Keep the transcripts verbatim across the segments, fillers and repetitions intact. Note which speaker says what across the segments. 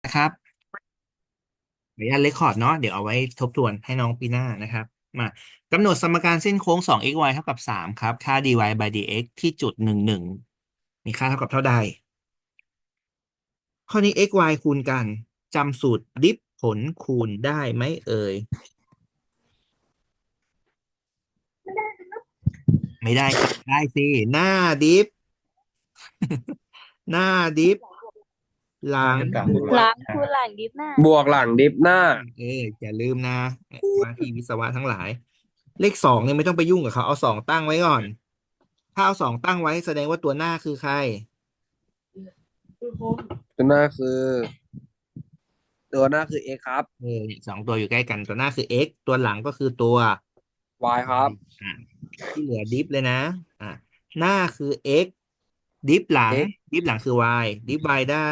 Speaker 1: ครับขออนุญาตเรคคอร์ดเนาะเดี๋ยวเอาไว้ทบทวนให้น้องปีหน้านะครับมากำหนดสมการเส้นโค้ง สอง x y เท่ากับสามครับค่า dy by dx ที่จุดหนึ่งหนึ่งมีค่าเท่ากับเท่าใดข้อนี้ x y คูณกันจำสูตรดิฟผลคูณได้ไหมเอ่ยไม่ได้ครับได้สิหน้าดิฟหน้าดิฟหลัง
Speaker 2: น่าจะกลับบวก
Speaker 3: ล้างคูณหลังดิฟหน้า
Speaker 2: บวกหลังดิฟหน้า
Speaker 1: เอออย่าลืมนะว่าที่วิศวะทั้งหลายเลขสองเนี่ยไม่ต้องไปยุ่งกับเขาเอาสองตั้งไว้ก่อนถ้าเอาสองตั้งไว้แสดงว่าตัวหน้าคือใคร
Speaker 2: ตัวหน้าคือตัวหน้าคือ x ครับ
Speaker 1: เออเนี่ยสองตัวอยู่ใกล้กันตัวหน้าคือ x ตัวหลังก็คือตัว
Speaker 2: y ครับ
Speaker 1: อ่าที่เหลือดิฟเลยนะอ่าหน้าคือ x ดิฟหลัง
Speaker 2: x
Speaker 1: ดิฟหลังคือ y ดิฟ y ได้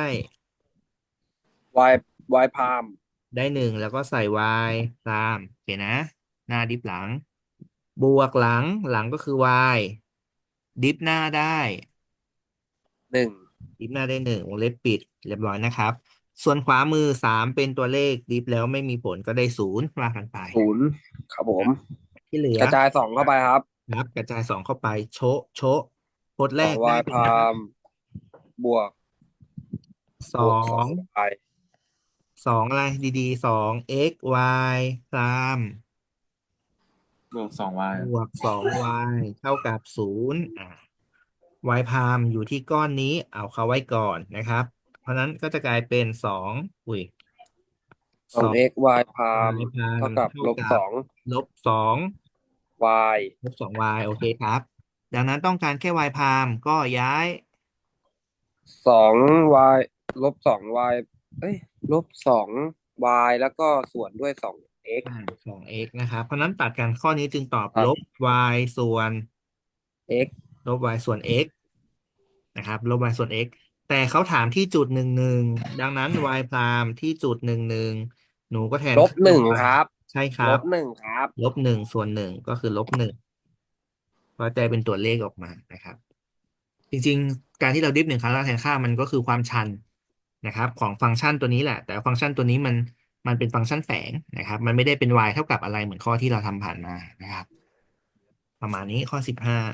Speaker 2: y y พาม
Speaker 1: ได้หนึ่งแล้วก็ใส่ y ตามโอเคนะหน้าดิฟหลังบวกหลังหลังก็คือ y ดิฟหน้าได้
Speaker 2: หนึ่ง
Speaker 1: ดิฟหน้าได้หนึ่งวงเล็บปิดเรียบร้อยนะครับส่วนขวามือสามเป็นตัวเลขดิฟแล้วไม่มีผลก็ได้ศูนย์ว่ากันไป
Speaker 2: ศูนย์ครับผม
Speaker 1: ที่เหลือ
Speaker 2: กระจายสองเข้าไปครับ
Speaker 1: นับกระจายสองเข้าไปโชะโชะโพจน์แร
Speaker 2: สอง
Speaker 1: กได้
Speaker 2: y
Speaker 1: เป็น
Speaker 2: พามบวก
Speaker 1: สอ
Speaker 2: บวกสอง
Speaker 1: ง
Speaker 2: y
Speaker 1: สองอะไรดีๆสอง x y ตาม
Speaker 4: บวกสองวาย
Speaker 1: บวกสอง y เท่ากับศูนย์อ่า y พามอยู่ที่ก้อนนี้เอาเข้าไว้ก่อนนะครับเพราะนั้นก็จะกลายเป็นสองอุ้ย
Speaker 2: สอง
Speaker 1: สอง
Speaker 2: x y พาม
Speaker 1: y พาม
Speaker 2: เท่ากับ
Speaker 1: เท่ากับ
Speaker 2: ลบสอง
Speaker 1: ลบสอง
Speaker 2: y
Speaker 1: ลบสอง y โอเคครับดังนั้นต้องการแค่ y พามก็ย้าย
Speaker 2: สอง y ลบสอง y เอ้ยลบสอง y แล้วก็ส่วนด้วยสอง x
Speaker 1: อ่าสอง x นะครับเพราะนั้นตัดกันข้อนี้จึงตอบ
Speaker 2: ตัด
Speaker 1: ลบ y ส่วน
Speaker 2: x
Speaker 1: ลบ y ส่วน x นะครับลบ y ส่วน x แต่เขาถามที่จุดหนึ่งหนึ่งดังนั้น y พรามที่จุดหนึ่งหนึ่งหนูก็แทน
Speaker 2: ลบ
Speaker 1: ค่า
Speaker 2: หนึ่ง
Speaker 1: y
Speaker 2: ครับ
Speaker 1: ใช่ครับ
Speaker 2: ลบหนึ่งครับ
Speaker 1: ลบหนึ่งส่วนหนึ่งก็คือลบหนึ่งก็จะเป็นตัวเลขออกมานะครับจริงๆการที่เราดิฟหนึ่งครั้งแล้วแทนค่ามันก็คือความชันนะครับของฟังก์ชันตัวนี้แหละแต่ฟังก์ชันตัวนี้มันมันเป็นฟังก์ชันแฝงนะครับมันไม่ได้เป็น y เท่ากับอะไรเหมือนข้อที่เราทำผ่านมานะครับประมาณนี้ข้อสิบห้า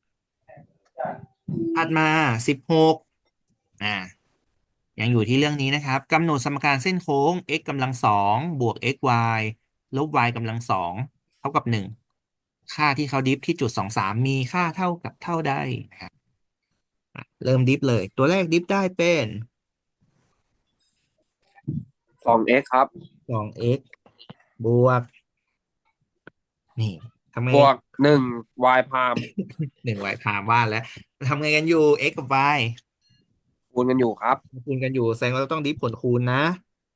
Speaker 1: ถัดมาสิบหกอ่า ยังอยู่ที่เรื่องนี้นะครับกำหนดสมการเส้นโค้ง x กำลังสองบวก xy ลบ y กำลังสองเท่ากับหนึ่งค่าที่เขาดิฟที่จุดสองสามมีค่าเท่ากับเท่าใดนะครับอ่ะเริ่มดิฟเลยตัวแรกดิฟได้เป็น
Speaker 2: สอง x ครับ
Speaker 1: สอง x บวกนี่ทำไง
Speaker 2: บวกหนึ่ง y พาม
Speaker 1: หนึ่ง y พามว่าแล้วทำไงกันอยู่ x กับ y
Speaker 2: คูณกันอยู่ครับ
Speaker 1: คูณกันอยู่แสดงว่าเราต้องดิฟผลคูณนะ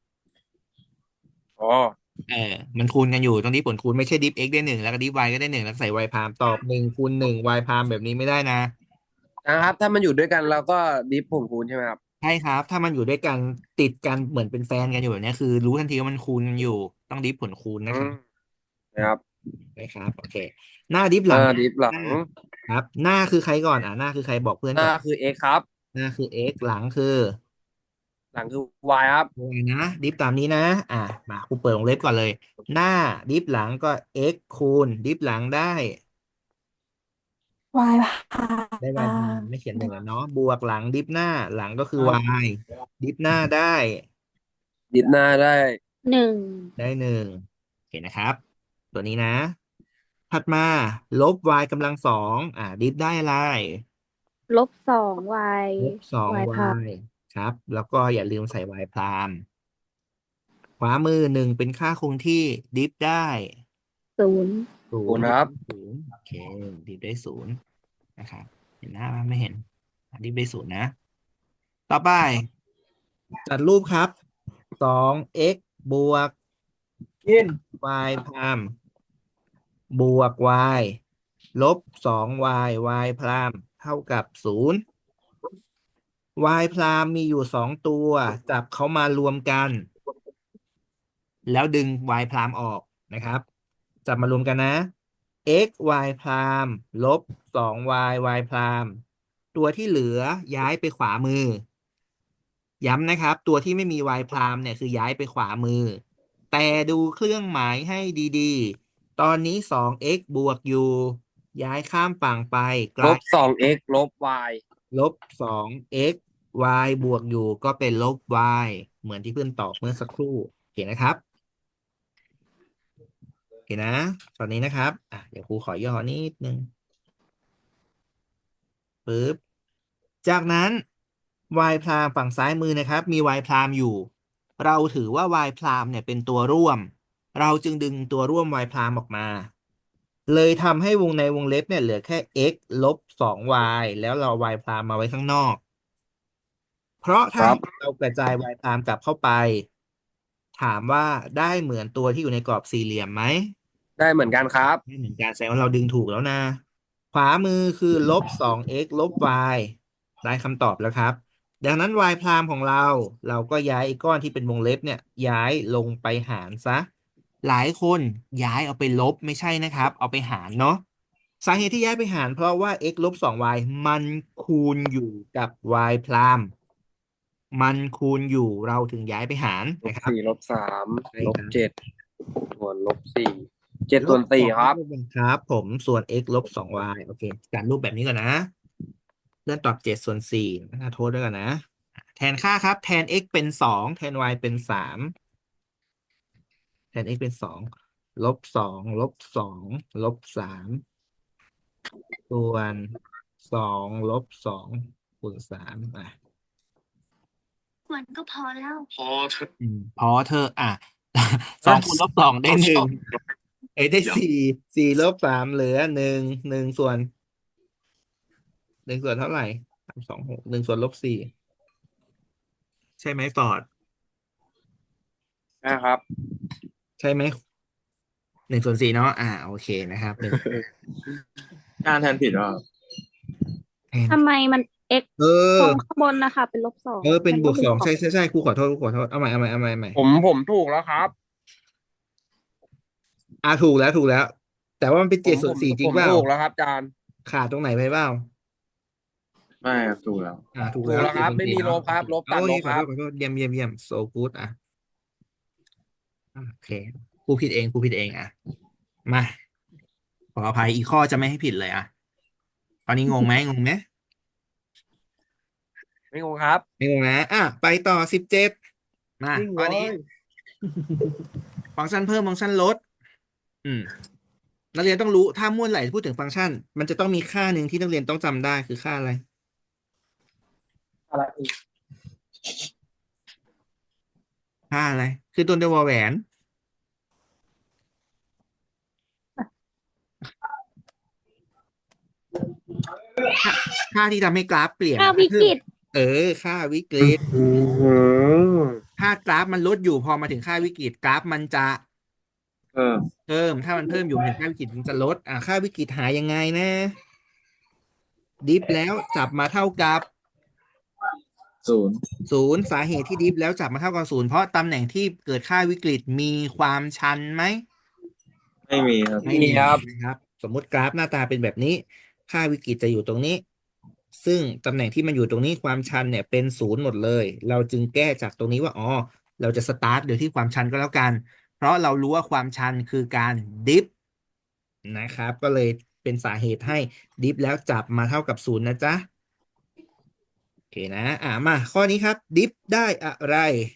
Speaker 2: อ๋อ
Speaker 1: เออมันคูณกันอยู่ต้องดิฟผลคูณไม่ใช่ดิฟ x ได้หนึ่งแล้วก็ดิฟ y ก็ได้หนึ่งแล้วก็ใส่ y พามตอบหนึ่งคูณหนึ่ง y พามแบบนี้ไม่ได้นะ
Speaker 2: นะครับถ้ามันอยู่ด้วยกันเราก็ดิฟผงคูณใช่ไหมครับ
Speaker 1: ใช่ครับถ้ามันอยู่ด้วยกันติดกันเหมือนเป็นแฟนกันอยู่แบบเนี้ยคือรู้ทันทีว่ามันคูณกันอยู่ต้องดิฟผลคูณนะ
Speaker 2: อืม
Speaker 1: ครับ
Speaker 2: นะครับ
Speaker 1: นะครับโอเคหน้าดิฟห
Speaker 2: หน้า
Speaker 1: ลัง
Speaker 2: ดิฟหลั
Speaker 1: หน้า
Speaker 2: ง
Speaker 1: ครับหน้าคือใครก่อนอ่ะหน้าคือใครบอกเพื่อนก่อน
Speaker 2: หน้าคือ x ครับ
Speaker 1: หน้าคือ x หลังคือ
Speaker 2: หลังคือ y ครับ
Speaker 1: y นะดิฟตามนี้นะอ่ะมาครูเปิดวงเล็บก่อนเลยหน้าดิฟหลังก็ x คูณดิฟหลังได้
Speaker 3: วายพ
Speaker 1: ได้ y
Speaker 3: า
Speaker 1: พามไม่เขียนหนึ่งแล้วเนาะบวกหลังดิฟหน้าหลังก็คือ y ดิฟหน้าได้
Speaker 2: ดิฟหน้าได้
Speaker 3: หนึ่ง
Speaker 1: ได้หนึ่งโอเคนะครับตัวนี้นะ ถัดมาลบ y กำลังสองอ่าดิฟได้อะไร
Speaker 3: ลบสองวาย
Speaker 1: ลบสอง
Speaker 3: วายพา
Speaker 1: y ครับแล้วก็อย่าลืมใส่ y พรามขวามือหนึ่งเป็นค่าคงที่ดิฟได้
Speaker 3: ศูนย์
Speaker 1: ศูนย์ดิฟ
Speaker 2: คูณครับ
Speaker 1: ได้ศูนย์โอเคดิฟได้ศูนย์นะครับเห็นหน้าไหมไม่เห็นอ่ะดิฟได้ศูนย์นะต่อไปจัดรูปครับสอง x บวก
Speaker 2: กิน
Speaker 1: y พรามบวก y ลบสอง y y พรามเท่ากับศูนย์ y พรามมีอยู่สองตัวจับเขามารวมกันแล้วดึง y พรามออกนะครับจับมารวมกันนะ x y พรามลบสอง y y พรามตัวที่เหลือย้ายไปขวามือย้ำนะครับ ตัวที่ไม่มี y พรามเนี่ยคือย้ายไปขวามือ แต่ดูเครื่องหมายให้ดีๆ ตอนนี้ สอง x บวกอยู่ ย้ายข้ามฝั่งไปก
Speaker 2: ล
Speaker 1: ลาย
Speaker 2: บสอง x ลบ y
Speaker 1: ลบ สอง x y บวกอยู่ก็เป็นลบ y เหมือนที่เพื่อนตอบเมื่อสักครู่โอเคนะครับโอเคนะ ตอนนี้นะครับอ่ะเดี๋ยวครูขอย่อนิดนึงปึ๊บ จากนั้น y พรามฝั่งซ้ายมือนะครับ มี y พรามอยู่ เราถือว่า y พรามเนี่ยเป็นตัวร่วม เราจึงดึงตัวร่วม y พรามออกมา เลยทำให้วงในวงเล็บเนี่ยเหลือแค่ x ลบ สอง y แล้วเรา y พรามมาไว้ข้างนอก เพราะ
Speaker 2: ค
Speaker 1: ถ้า
Speaker 2: รับ
Speaker 1: เรากระจาย y พรามกลับเข้าไป ถามว่าได้เหมือนตัวที่อยู่ในกรอบสี่เหลี่ยมไหม
Speaker 2: ได้เหมือนกันครับ
Speaker 1: ไม่เหมือนกันแสดงว่าเราดึงถูกแล้วนะ ขวามือคือลบ สอง x ลบ y ได้คำตอบแล้วครับ ดังนั้น y พรามของเรา เราก็ย้ายไอ้ก้อนที่เป็นวงเล็บเนี่ย ย้ายลงไปหารซะ หลายคนย้ายเอาไปลบไม่ใช่นะครับ เอาไปหารเนาะ สาเหตุที่ย้ายไปหารเพราะว่า x ลบ สอง y มันคูณอยู่กับ y พราม มันคูณอยู่เราถึงย้ายไปหาร
Speaker 2: ลบ
Speaker 1: นะครับ
Speaker 2: สี่ลบสาม
Speaker 1: ใช่
Speaker 2: ลบ
Speaker 1: ครับ
Speaker 2: เจ็ดส่วนลบสี่เจ็ดส่วนสี่ครับ
Speaker 1: ลบสองครับผมส่วน x ลบ สอง y โอเคการรูปแบบนี้ก่อนนะเลื่อนตอบเจ็ดส่วนสี่น่าโทษด้วยกันนะ แทนค่าครับ แทน x เป็นสองแทน y เป็นสามแทน x เป็นสองลบสองลบสองลบสามส่วนสองลบสองคูณสามอ่ะ
Speaker 3: มันก็พอแล้ว
Speaker 1: อืมพอเธอะอ่ะ สองคูณลบสองได้หนึ่งเอ้ยได้สี่สี่ลบสามเหลือหนึ่งหนึ่งส่วนหนึ่งส่วนเท่าไหร่สามสองหกหนึ่งส่วนลบสี่ใช่ไหมฟอร์ด
Speaker 2: นะครับ
Speaker 1: ใช่ไหมหนึ่งส่วนสี่เนาะอ่าโอเคนะครับหนึ่ง
Speaker 4: การแทนผิดว่า
Speaker 1: แทน
Speaker 3: ทำไมมัน x
Speaker 1: เอ
Speaker 3: ต
Speaker 1: อ
Speaker 3: รงข้างบนนะคะ เป็นลบสอง
Speaker 1: เออเป็นบวกสอง
Speaker 3: มัน
Speaker 1: ใช่ใช่ใช่ครูขอโทษครูขอโทษเอาใหม่เอาใหม่เอาใหม่เอาใหม่
Speaker 2: ผมผมถูกแล้วครับ
Speaker 1: อ่าถูกแล้วถูกแล้ว แต่ว่ามันเป็น
Speaker 2: ผ
Speaker 1: เจ็ด
Speaker 2: ม
Speaker 1: ส่ว
Speaker 2: ผ
Speaker 1: น
Speaker 2: ม
Speaker 1: สี่จริ
Speaker 2: ผ
Speaker 1: ง
Speaker 2: ม
Speaker 1: เปล่า
Speaker 2: ถูกแล้วครับอาจารย์
Speaker 1: ขาดตรงไหนไปเปล่า
Speaker 4: ไม่ครับถูกแล้ว
Speaker 1: อ่าถูก
Speaker 2: ถูก
Speaker 1: แล้ว
Speaker 2: แล้วครับ
Speaker 1: เจ็ดส่วน
Speaker 2: ไม่
Speaker 1: สี่
Speaker 2: มี
Speaker 1: เนาะ
Speaker 2: ลบครับ ลบตัด
Speaker 1: โอ
Speaker 2: ล
Speaker 1: เค
Speaker 2: บ
Speaker 1: ขอ
Speaker 2: ค
Speaker 1: โท
Speaker 2: รั
Speaker 1: ษ
Speaker 2: บ
Speaker 1: ขอโทษเยี่ยมเยี่ยมเยี่ยม so good อ่ะโอเคครูผิดเองครูผิดเองอ่ะมาขออภัยอีกข้อจะไม่ให้ผิดเลยอ่ะตอนนี้งงไหมงงไหม
Speaker 2: ไม่งงครับ
Speaker 1: ไม่งงนะอ่ะไปต่อสิบเจ็ดมา
Speaker 2: นิ่ง
Speaker 1: ข้อนี้
Speaker 2: เลย
Speaker 1: ฟังก์ชันเพิ่มฟังก์ชันลด อืมนักเรียนต้องรู้ถ้าเมื่อไหร่พูดถึงฟังก์ชัน มันจะต้องมีค่าหนึ่งที่นักเรียนต้องจำได้คือค่าอะไร
Speaker 2: อะไรอีก
Speaker 1: ค่าอะไร คือตัวเดียววอแหวน ค่าค่าที่ทำให้กราฟเปลี่ยน
Speaker 3: ค่าวิกฤต
Speaker 1: เออ ค่าวิกฤต
Speaker 2: อืม
Speaker 1: ถ้ากราฟมันลดอยู่พอมาถึงค่าวิกฤตกราฟมันจะ
Speaker 4: เพิ่ม
Speaker 1: เพิ่ม ถ้ามันเพิ่มอยู่ถึงค่าวิกฤตมันจะลด อ่าค่าวิกฤตหายังไงนะ ดิฟแล้วจับมาเท่ากับ
Speaker 4: ศูนย์
Speaker 1: ศูนย์สาเหตุที่ดิฟแล้วจับมาเท่ากับศูนย์เพราะตำแหน่งที่เกิดค่าวิกฤตมีความชันไหม
Speaker 4: ไม่มีครับ
Speaker 1: ไม่มีนะครับ สมมุติกราฟหน้าตาเป็นแบบนี้ ค่าวิกฤตจะอยู่ตรงนี้ ซึ่งตำแหน่งที่มันอยู่ตรงนี้ความชันเนี่ยเป็นศูนย์หมดเลย เราจึงแก้จากตรงนี้ว่าอ๋อเราจะสตาร์ทโดยที่ความชันก็แล้วกัน เพราะเรารู้ว่าความชันคือการดิฟนะครับ ก็เลยเป็นสาเหตุให้ดิฟแล้วจับมาเท่ากับศูนย์นะจ๊ะโอเคนะ อ่ามาข้อนี้ครับดิฟได้อะไร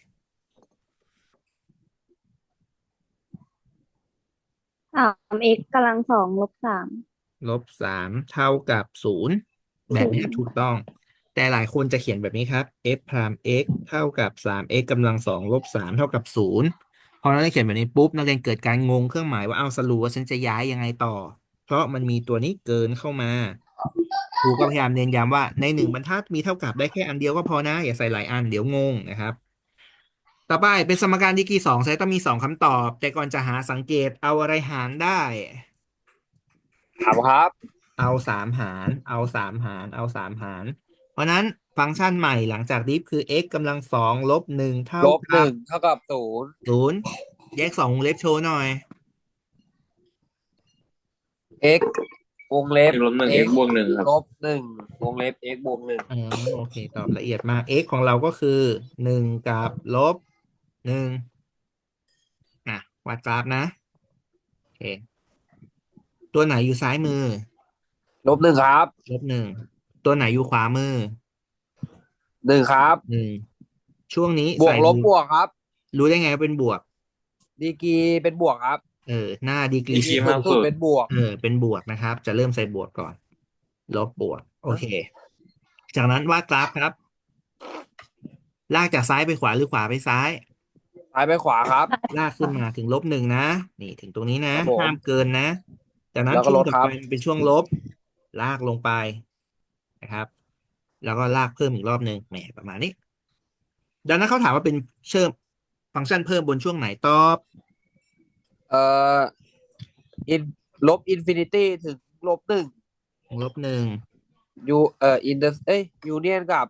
Speaker 3: สาม x กำลังสองลบสาม
Speaker 1: ลบสามเท่ากับศูนย์แบบนี้ถูกต้อง แต่หลายคนจะเขียนแบบนี้ครับ f พราม x เท่ากับสาม x กำลังสองลบสามเท่ากับศูนย์พอนักเรียนเขียนแบบนี้ปุ๊บนักเรียนเกิดการงงเครื่องหมายว่าเอาสรุปว่าฉันจะย้ายยังไงต่อ เพราะมันมีตัวนี้เกินเข้ามาครูก็พยายามเน้นย้ำว่าในหนึ่งบรรทัดมีเท่ากับได้แค่อันเดียวก็พอนะ อย่าใส่หลายอันเดี๋ยวงงนะครับ ต่อไปเป็นสมการดีกรีสองใช้ต้องมีสองคำตอบ แต่ก่อนจะหาสังเกตเอาอะไรหารได้
Speaker 2: ถามครับ
Speaker 1: เอาสามหาร เอาสามหาร เอาสามหาร เพราะนั้นฟังก์ชันใหม่หลังจากดิฟคือ x กำลังสองลบหนึ่งเท่า
Speaker 2: ลบห
Speaker 1: กั
Speaker 2: นึ่
Speaker 1: บ
Speaker 2: งเท่ากับศูนย์
Speaker 1: ศูนย์แยกสองวงเล็บโชว์หน่อย
Speaker 2: x วงเล็บ
Speaker 4: x ลบหนึ่ง x
Speaker 2: x
Speaker 4: บวกหนึ่งครับ
Speaker 2: ลบหนึ่งวงเล็บ x บวกหนึ่ง
Speaker 1: อ๋อโอเค ตอบละเอียดมาก x ของเราก็คือหนึ่งกับลบหนึ่งอ่ะวาดกราฟนะโอเคตัวไหนอยู่ซ้ายมือ
Speaker 2: ลบหนึ่งครับ
Speaker 1: ลบหนึ่งตัวไหนอยู่ขวามือ
Speaker 2: หนึ่งครับ
Speaker 1: หนึ่งช่วงนี้
Speaker 2: บว
Speaker 1: ใส่รู
Speaker 2: กลบบวกครับ
Speaker 1: รู้ได้ไงว่าเป็นบวก
Speaker 2: ดีกรีเป็นบวกครับ
Speaker 1: เออหน้าดีกรี
Speaker 2: ดีกรีสูงสุดเป็นบวก
Speaker 1: เออเป็นบวกนะครับ จะเริ่มใส่บวกก่อน ลบบวก โอเค จากนั้นวาดกราฟครับ ลากจากซ้ายไปขวาหรือขวาไปซ้าย
Speaker 2: ซ้ายไปขวาครับ
Speaker 1: ลากขึ้นมาถึงลบหนึ่งนะ นี่ถึงตรงนี้นะ
Speaker 2: ครับผม
Speaker 1: ห้ามเกินนะ จากนั้น
Speaker 2: แล้วก็
Speaker 1: ช่วงต่อไป
Speaker 2: ลดครับ
Speaker 1: มันเป็นช่วงลบ ลากลงไปนะครับ แล้วก็ลากเพิ่มอีกรอบหนึ่งแหมประมาณนี้ ดังนั้นเขาถามว่าเป็นเชื่อมฟังก์ชันเพิ่มบนช่วงไหนตอบ
Speaker 2: เอ่ออินลบอินฟินิตี้ถึงลบหนึ่ง
Speaker 1: ลบหนึ่ง
Speaker 2: ยูเอ่ออินเดเอ้ยยูเนียนกับ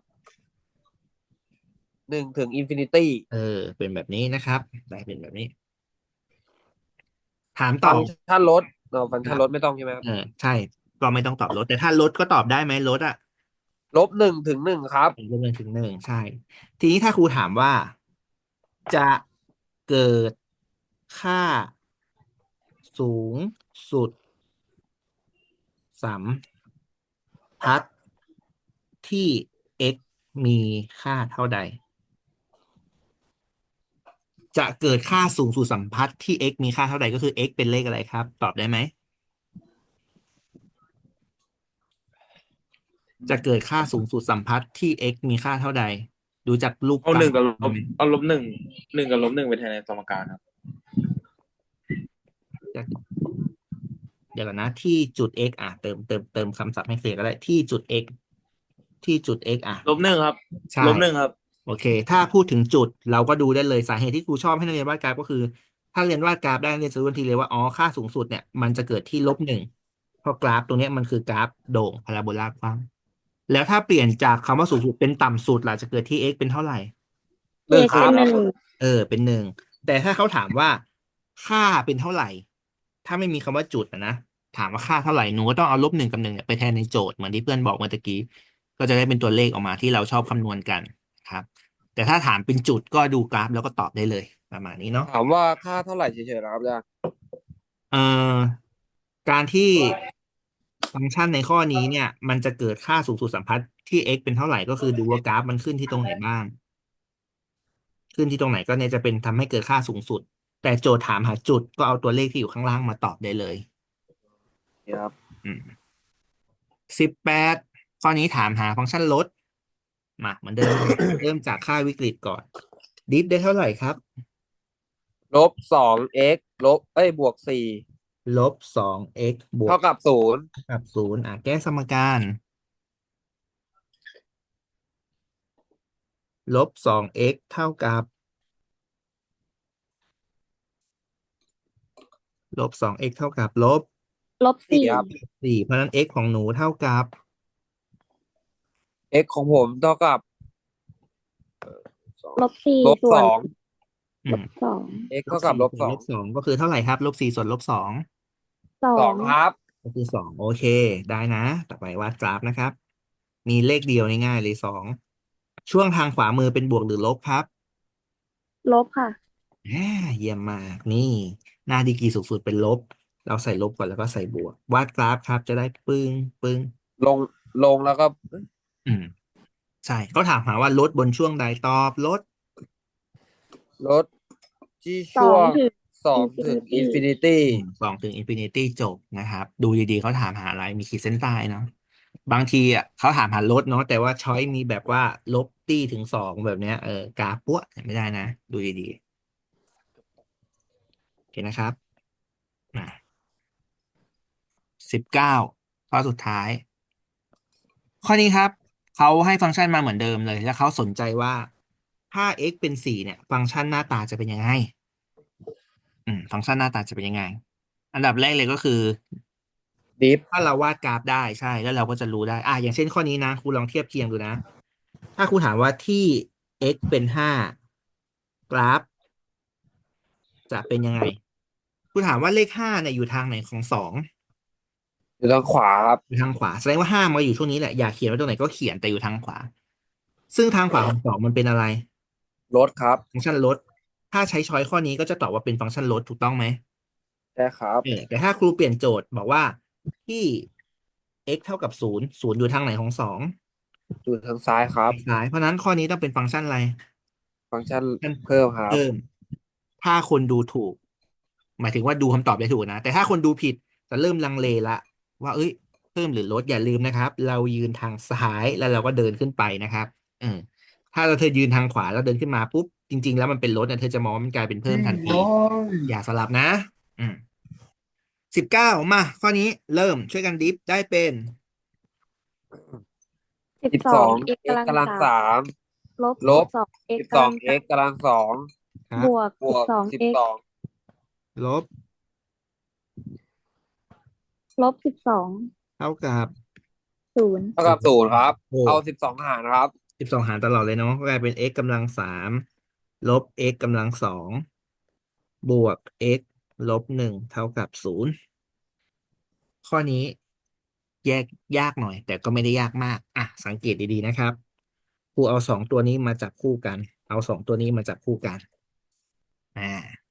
Speaker 2: หนึ่งถึงอินฟินิตี้
Speaker 1: เออ เป็นแบบนี้นะครับ ได้เป็นแบบนี้ ถามต่
Speaker 2: ฟั
Speaker 1: อ
Speaker 2: งก์ชันลดเออฟังก์ชันลดไม่ต้องใช่ไหมครับ
Speaker 1: เออใช่ ก็ไม่ต้องตอบลด แต่ถ้าลดก็ตอบได้ไหมลดอะ
Speaker 2: ลบหนึ่งถึงหนึ่งครับ
Speaker 1: ลบหนึ่งถึงหนึ่งใช่ ทีนี้ถ้าครูถามว่าจะเกิดค่าสูงสุดสัมพัทธ์ที่ x มีค่าเท่าใด จะเกิดค่าสูงสุดสัมพัทธ์ที่ x มีค่าเท่าใดก็คือ x เป็นเลขอะไรครับ ตอบได้ไหม จะเกิดค่าสูงสุดสัมพัทธ์ที่ x มีค่าเท่าใด ดูจากรูป
Speaker 4: เอา
Speaker 1: กราฟ
Speaker 4: หนึ่งกับลบ
Speaker 1: ได้ไหม
Speaker 4: เอาลบหนึ่งหนึ่งกับลบหนึ่งไปแทนในสมการครับ
Speaker 1: เดี๋ยวก่อนนะที่จุด x อ่ะเติมเติมเติมคำศัพท์ให้เคลียร์ก็ได้ที่จุด x ที่จุด x อ่ะ
Speaker 4: ลบหนึ่งครับ
Speaker 1: ใช่
Speaker 4: ลบหนึ่งครับ
Speaker 1: โอเค ถ้าพูดถึงจุดเราก็ดูได้เลยสาเหตุที่ครูชอบให้นักเรียนวาดกราฟก็คือ ถ้าเรียนวาดกราฟได้นักเรียนจะรู้ทันทีเลยว่าอ๋อค่าสูงสุดเนี่ยมันจะเกิดที่ลบหนึ่งเพราะกราฟตรงเนี้ยมันคือกราฟโด่งพาราโบลากว้างแล้วถ้าเปลี่ยนจากคำว่าสูงสุดเป็นต่ำสุดล่ะจะเกิดที่ x เป็นเท่าไหร่
Speaker 2: หนึ่ง
Speaker 3: x
Speaker 2: ครั
Speaker 3: เป็
Speaker 2: บ
Speaker 3: นหนึ่ง
Speaker 1: เออเป็นหนึ่งแต่ถ้าเขาถามว่าค่าเป็นเท่าไหร่ ถ้าไม่มีคำว่าจุดอะนะถามว่าค่าเท่าไหร่หนูก็ต้องเอาลบหนึ่งกับหนึ่งเนี่ยไปแทนในโจทย์เหมือนที่เพื่อนบอกเมื่อตะกี้ก็จะได้เป็นตัวเลขออกมาที่เราชอบคำนวณกันครับ แต่ถ้าถามเป็นจุดก็ดูกราฟแล้วก็ตอบได้เลยประมาณนี้เนาะ
Speaker 2: ถามว่าค่าเท่าไหร่เฉยๆนะครับอาจารย์
Speaker 1: เอ่อการที่ฟังก์ชันในข้อนี้เนี่ยมันจะเกิดค่าสูงสุดสัมพัทธ์ที่ x เป็นเท่าไหร่ก็คือดูว่ากราฟมันขึ้นที่ตรงไหนบ้าง ขึ้นที่ตรงไหนก็เนี่ยจะเป็นทำให้เกิดค่าสูงสุด แต่โจทย์ถามหาจุดก็เอาตัวเลขที่อยู่ข้างล่างมาตอบได้เลย
Speaker 2: ครับ
Speaker 1: อืมสิบแปดข้อนี้ถามหาฟังก์ชันลดมาเหมือนเดิม เริ่มจากค่าวิกฤตก่อนดิฟได้เท่าไหร่ครับ
Speaker 2: ลบสอง x ลบเอ้ยบวกสี่
Speaker 1: ลบสอง x บวก
Speaker 2: เท่ากับศูนย์
Speaker 1: กับศูนย์อ่ะแก้สมการลบสอง x เท่ากับลบสอง x เท่ากับลบ
Speaker 3: ลบ
Speaker 2: สี่
Speaker 3: สี่
Speaker 2: ครับ
Speaker 1: สี่เพราะฉะนั้น x ของหนูเท่ากับ
Speaker 2: x ของผมเท่ากับ
Speaker 3: ลบสี่
Speaker 2: ลบ
Speaker 3: ส่วน
Speaker 2: สอง
Speaker 1: อืม
Speaker 3: สอง
Speaker 2: x เท่ากับลบสอง
Speaker 1: ลบสองก็คือเท่าไหร่ครับลบสี่ส่วนลบสอง
Speaker 3: สอ
Speaker 2: สอง
Speaker 3: ง
Speaker 2: ครับ
Speaker 1: ก็คือสองโอเคได้นะ ต่อไปวาดกราฟนะครับ มีเลขเดียวง่ายๆเลยสองช่วงทางขวามือเป็นบวกหรือลบครับ
Speaker 3: ลบค่ะ
Speaker 1: แหมเยี่ยมมากนี่หน้าดีกรีสูงสุดเป็นลบ เราใส่ลบก่อนแล้วก็ใส่บวก วาดกราฟครับจะได้ปึ้งปึ้ง
Speaker 2: ลงลงแล้วก็
Speaker 1: อืมใช่เขาถามหาว่าลดบนช่วงใดตอบลด
Speaker 2: ลดที่
Speaker 3: สอ
Speaker 2: ช่วง
Speaker 3: งถึง
Speaker 2: สองถึงอินฟินิตี้
Speaker 1: สองถึงอินฟินิตี้จบนะครับดูดีๆเขาถามหาอะไรมีขีดเส้นใต้เนาะบางทีอ่ะเขาถามหาลดเนาะแต่ว่าช้อยมีแบบว่าลบตี้ถึงสองแบบเนี้ยเออกราฟปั้วไม่ได้นะดูดีๆโอเคนะครับอ่ะสิบเก้าข้อสุดท้าย ข้อนี้ครับเขาให้ฟังก์ชันมาเหมือนเดิมเลย แล้วเขาสนใจว่าถ้า x เป็นสี่เนี่ย ฟังก์ชันหน้าตาจะเป็นยังไงอืมฟังก์ชันหน้าตาจะเป็นยังไง อันดับแรกเลยก็คือ
Speaker 2: ดิฟ
Speaker 1: ถ้าเราวาดกราฟได้ใช่แล้วเราก็จะรู้ได้ อ่ะอย่างเช่นข้อนี้นะครูลองเทียบเคียงดูนะ ถ้าครูถามว่าที่ x เป็นห้ากราฟจะเป็นยังไงครูถามว่าเลขห้าเนี่ยอยู่ทางไหนของสอง
Speaker 2: อยู่ทางขวาครับ
Speaker 1: อยู่ทางขวาแสดงว่าห้ามาอยู่ช่วงนี้แหละอยากเขียนไว้ตรงไหนก็เขียนแต่อยู่ทางขวาซึ่งทางขวาของสองมันเป็นอะไร
Speaker 2: รถครับ
Speaker 1: ฟังก์ชันลดถ้าใช้ช้อยข้อนี้ก็จะตอบว่าเป็นฟังก์ชันลดถูกต้องไหม
Speaker 2: ใช่ครับ
Speaker 1: เออแต่ถ้าครูเปลี่ยนโจทย์บอกว่าที่ x เท่ากับศูนย์ศูนย์อยู่ทางไหนของสอง
Speaker 2: อยู่ทางซ้ายครับ
Speaker 1: ทางซ้ายเพราะฉะนั้นข้อนี้ต้องเป็นฟังก์ชันอะไร
Speaker 2: ฟังก์ชัน
Speaker 1: มัน
Speaker 2: เพิ่มครับ
Speaker 1: เพิ่มถ้าคนดูถูกหมายถึงว่าดูคำตอบได้ถูกนะแต่ถ้าคนดูผิดจะเริ่มลังเลละว่าเอ้ยเพิ่มหรือลดอย่าลืมนะครับเรายืนทางซ้ายแล้วเราก็เดินขึ้นไปนะครับเออถ้าเราเธอยืนทางขวาแล้วเดินขึ้นมาปุ๊บจริงๆแล้วมันเป็นลดนะเธอจะมองว่ามันกลายเป็นเพิ่มทันทีอย่าสลับนะอืมสิบเก้ามาข้อนี้เริ่มช่วยกันดิฟได้เป็น
Speaker 3: สิบสอง
Speaker 2: สิบสอง
Speaker 3: x
Speaker 2: x
Speaker 3: กำลัง
Speaker 2: กำลัง
Speaker 3: สาม
Speaker 2: สาม
Speaker 3: ลบ
Speaker 2: ลบ
Speaker 3: สิบสอง x
Speaker 2: สิบสอง
Speaker 3: กำลังสา
Speaker 2: x
Speaker 3: ม
Speaker 2: กำลังสอง
Speaker 1: ครับ
Speaker 3: บวก
Speaker 2: บวก
Speaker 3: สิบสอง
Speaker 2: สิบ
Speaker 3: x
Speaker 2: สอง
Speaker 1: ลบ
Speaker 3: ลบสิบสอง
Speaker 1: เท่ากับ
Speaker 3: ศูนย์
Speaker 2: เท่ากับศูนย์ครับ
Speaker 1: โอ้
Speaker 2: เอาสิบสองหารครับ
Speaker 1: สิบสองหารตลอดเลยเนาะก็กลายเป็น x กำลังสามลบ x กำลังสองบวก x ลบหนึ่งเท่ากับศูนย์ข้อนี้แยกยากหน่อยแต่ก็ไม่ได้ยากมากอ่ะสังเกตดีๆนะครับครูเอาสองตัวนี้มาจับคู่กันเอาสองตัวนี้มาจับคู่กันอ่า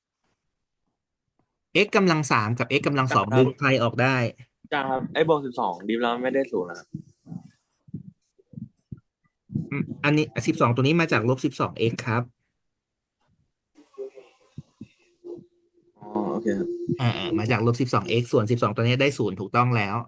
Speaker 1: x กำลังสามกับ x กำลังสองดึงใครออกได้
Speaker 4: จ้าครับไอ้บวกสิบสองดิฟแล้วไม่ได้ศูนย์นะครับ
Speaker 1: อืมอันนี้สิบสองตัวนี้มาจากลบสิบสอง x ครับ
Speaker 4: อ๋อโอเคครับ
Speaker 1: อ่าอ่ามาจากลบสิบสอง x ส่วนสิบสองตัวนี้ได้ศูนย์ถูกต้องแล้ว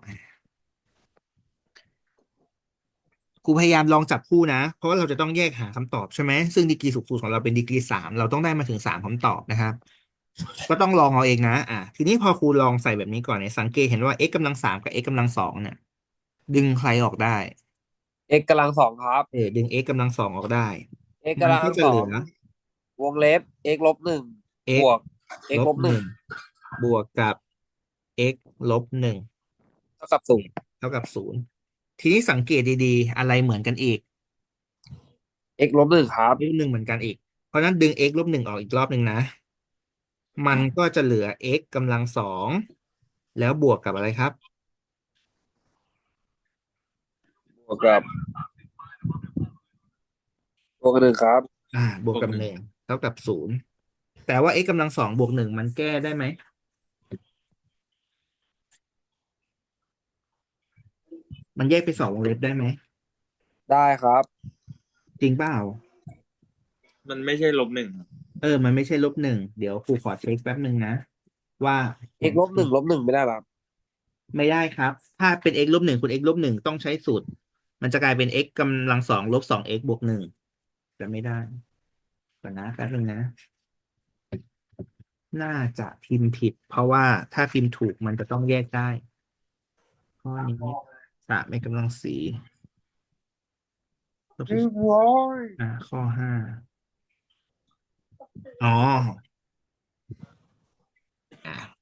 Speaker 1: ครูพยายามลองจับคู่นะ เพราะว่าเราจะต้องแยกหาคำตอบใช่ไหม ซึ่งดีกรีสูงสุดของเราเป็นดีกรีสามเราต้องได้มาถึงสามคำตอบนะครับ ก็ต้องลองเอาเองนะอ่ะทีนี้พอครูลองใส่แบบนี้ก่อนเนี่ยสังเกตเห็นว่า x กำลังสามกับ x กำลังสองเนี่ยดึงใครออกได้
Speaker 2: x กำลังสองครับ
Speaker 1: เออดึง x กำลังสองออกได้
Speaker 2: x
Speaker 1: มัน
Speaker 2: กำลังสอง
Speaker 1: ก็จะเหลือ
Speaker 2: วงเล็บ x ลบหนึ่งบ
Speaker 1: x
Speaker 2: วก x
Speaker 1: ล
Speaker 2: ลบหนึ่ง
Speaker 1: บหนึ่งบวกกับ x ลบหนึ่ง
Speaker 2: เท่ากับศูนย์
Speaker 1: เท่ากับศูนย์ทีนี้สังเกตดีๆอะไรเหมือนกันอีก
Speaker 2: x ลบหนึ่งครับ
Speaker 1: ลบหนึ่งเหมือนกันอีก เพราะฉะนั้นดึง x ลบหนึ่งออกอีกรอบหนึ่งนะ มันก็จะเหลือ x กำลังสองแล้วบวกกับอะไรครับ
Speaker 2: บวกกับบวกกับหนึ่งครับ
Speaker 1: อ่าบวกกับหนึ่งเท่ากับศูนย์แต่ว่า x กำลังสองบวกหนึ่งมันแก้ได้ไหมมันแยกไปสองวงเล็บได้ไหม
Speaker 2: ได้ครับ
Speaker 1: จริงเปล่า
Speaker 4: มันไม่ใช่ลบหนึ่งครับ
Speaker 1: เออมันไม่ใช่ลบหนึ่งเดี๋ยวครูขอเช็คแป๊บหนึ่งนะว่ามั
Speaker 2: x
Speaker 1: น
Speaker 2: ลบหนึ่งลบหนึ่งไม่ได้หรอครับ
Speaker 1: ไม่ได้ครับถ้าเป็น x ลบหนึ่งคุณ x ลบหนึ่งต้องใช้สูตรมันจะกลายเป็น x กำลังสองลบสอง x บวกหนึ่งจะไม่ได้ก่อนนะแป๊บหนึงนะ น่าจะพิมพ์ผิดเพราะว่าถ้าพิมพ์ถูกมันจะต้องแยกได้ข้อนี้สามในกำลังสี่ลบสิบอ่าข้อห้าอ๋ออ่า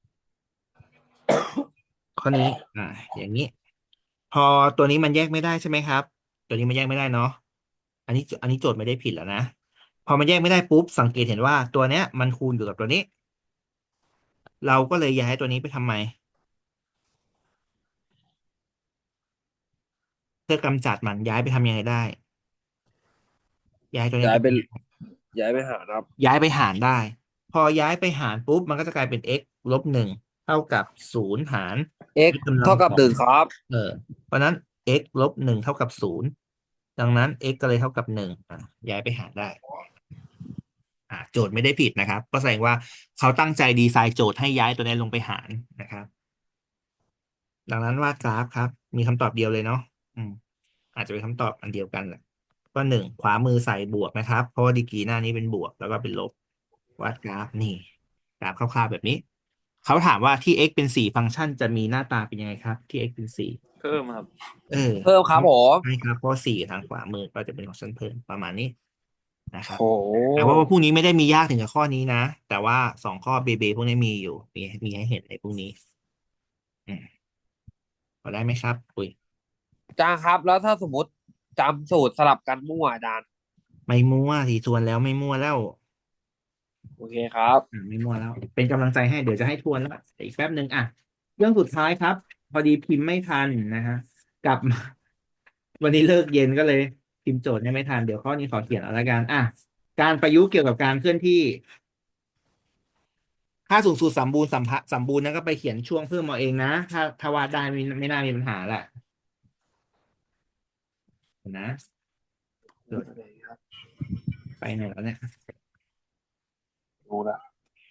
Speaker 1: ข้อนี้อ่าอย่างนี้พอตัวนี้มันแยกไม่ได้ใช่ไหมครับตัวนี้มันแยกไม่ได้เนาะอันนี้อันนี้โจทย์ไม่ได้ผิดแล้วนะพอมันแยกไม่ได้ปุ๊บสังเกตเห็นว่าตัวเนี้ยมันคูณอยู่กับตัวนี้เราก็เลยย้ายตัวนี้ไปทำไมเพื่อกำจัดมันย้ายไปทำยังไงได้ย้ายตัวนี้
Speaker 2: ย้ายเป็น
Speaker 1: ไปทำยังไง
Speaker 2: ย้ายไปหารครับ
Speaker 1: ย้ายไปหารได้พอย้ายไปหารปุ๊บมันก็จะกลายเป็น x ลบหนึ่งเท่ากับศูนย์หาร
Speaker 2: x
Speaker 1: x กำลัง
Speaker 2: เท่ากับ
Speaker 1: สอง
Speaker 2: หนึ่งครับ
Speaker 1: เออเพราะนั้น x ลบหนึ่งเท่ากับศูนย์ดังนั้น x ก็เลยเท่ากับหนึ่งอ่ะย้ายไปหารได้อ่าโจทย์ไม่ได้ผิดนะครับก็แสดงว่าเขาตั้งใจดีไซน์โจทย์ให้ย้ายตัวนี้ลงไปหารนะครับดังนั้นวาดกราฟครับมีคำตอบเดียวเลยเนาะอืมอาจจะเป็นคำตอบอันเดียวกันแหละก็หนึ่งขวามือใส่บวกนะครับเพราะว่าดีกรีหน้านี้เป็นบวกแล้วก็เป็นลบ วาดกราฟนี่กราฟคร่าวๆแบบนี้เขาถามว่าที่ x เป็นสี่ฟังก์ชันจะมีหน้าตาเป็นยังไงครับที่ x เป็นสี่
Speaker 4: เพิ่มครับ
Speaker 1: เออ
Speaker 2: เพิ่มครับผม
Speaker 1: ใช่ครับเพราะสี่ทางขวามือก็จะเป็นของชั้นเพิ่มประมาณนี้นะครับ
Speaker 2: โห
Speaker 1: แต่ว่าพวกนี้ไม่ได้มียากถึงกับข้อนี้นะแต่ว่าสองข้อเบเบพวกนี้มีอยู่มีมีให้เห็นในพวกนี้อืมพอได้ไหมครับอุ้ย
Speaker 2: อาจารย์ครับแล้วถ้าสมมติจำสูตรสลับกันมั่วอาจารย์
Speaker 1: ไม่มั่วทีทวนแล้วไม่มั่วแล้ว
Speaker 2: โอเคครับ
Speaker 1: อ่าไม่มั่วแล้วเป็นกำลังใจให้เดี๋ยวจะให้ทวนแล้วอีกแป๊บหนึ่งอ่ะเรื่องสุดท้ายครับพอดีพิมพ์ไม่ทันนะฮะกลับมาวันนี้เลิกเย็นก็เลยพิมพ์โจทย์เนี่ยไม่ทันเดี๋ยวข้อนี้ขอเขียนเอาละกันอ่ะการประยุกต์เกี่ยวกับการเคลื่อนที่ค่าสูงสุดสมบูรณ์สัมพะสมบูรณ์นั้นก็ไปเขียนช่วงเพิ่มเอาเองนะถ้าถ้าวาดได้ไม่ไม่น่ามีปัญหาแหละเห็นนะโจทย์ไปไหนแล้วเนี่ย
Speaker 4: รู้ละ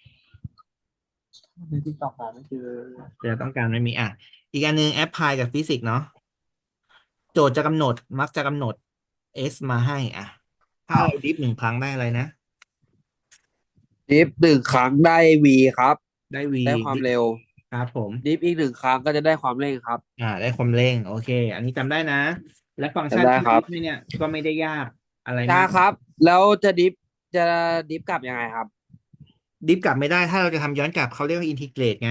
Speaker 4: ในติ๊กต็อกหาไม่เจอ
Speaker 1: เดี๋ยวต้องการไม่มีอ่ะอีกอันหนึงแอปพลายกับฟิสิกส์เนาะโจทย์จะกำหนดมักจะกำหนด s มาให้อ่ะถ้าเราดิฟหนึ่งครั้งได้อะไรนะ
Speaker 2: ดิฟหนึ่งครั้งได้ v ครับ
Speaker 1: ได้ v
Speaker 2: ได้ความเร็ว
Speaker 1: ครับผม
Speaker 2: ดิฟอีกหนึ่งครั้งก็จะได้ความเร่งครับ
Speaker 1: อ่าได้ความเร่งโอเค อันนี้จำได้นะ และฟังก์ชัน
Speaker 2: จำได้
Speaker 1: ที่
Speaker 2: ครั
Speaker 1: ดิ
Speaker 2: บ
Speaker 1: ฟเนี่ยก็ไม่ได้ยากอะไราก
Speaker 2: จ้ามครับ แล้วจะดิฟจะดิฟกลับยังไงครับ
Speaker 1: ดิฟกลับไม่ได้ถ้าเราจะทำย้อนกลับเขาเรียกว่าอินทิเกรตไง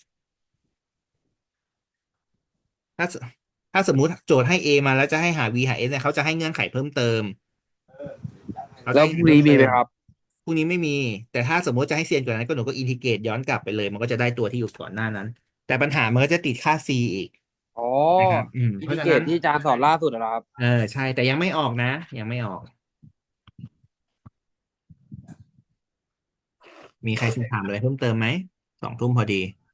Speaker 1: ถ้าสถ้าสมมุติโจทย์ให้ a มาแล้วจะให้หา v หา s เนี่ยเขาจะให้เงื่อนไขเพิ่มเติมเขาจะ
Speaker 2: แล้ว
Speaker 1: ให้
Speaker 2: พรุ่งนี้มีไหมครับ
Speaker 1: พรุ่งนี้ไม่มี แต่ถ้าสมมติจะให้เซียนกว่านั้นก็หนูก็อินทิเกรตย้อนกลับไปเลยมันก็จะได้ตัวที่อยู่ก่อนหน้านั้น แต่ปัญหามันก็จะติดค่า c อีก
Speaker 2: อ๋อ
Speaker 1: นะครับอืม
Speaker 2: อิ
Speaker 1: เพ
Speaker 2: นทิ
Speaker 1: ราะฉะ
Speaker 2: เกร
Speaker 1: นั้
Speaker 2: ต
Speaker 1: น
Speaker 2: ที่อาจารย์สอนล่าสุดเหรอครับ
Speaker 1: เออใช่แต่ยังไม่ออกนะ ยังไม่ออก มีใครจะถามอะไรเพิ่มเติมไหมสองทุ่มพอดี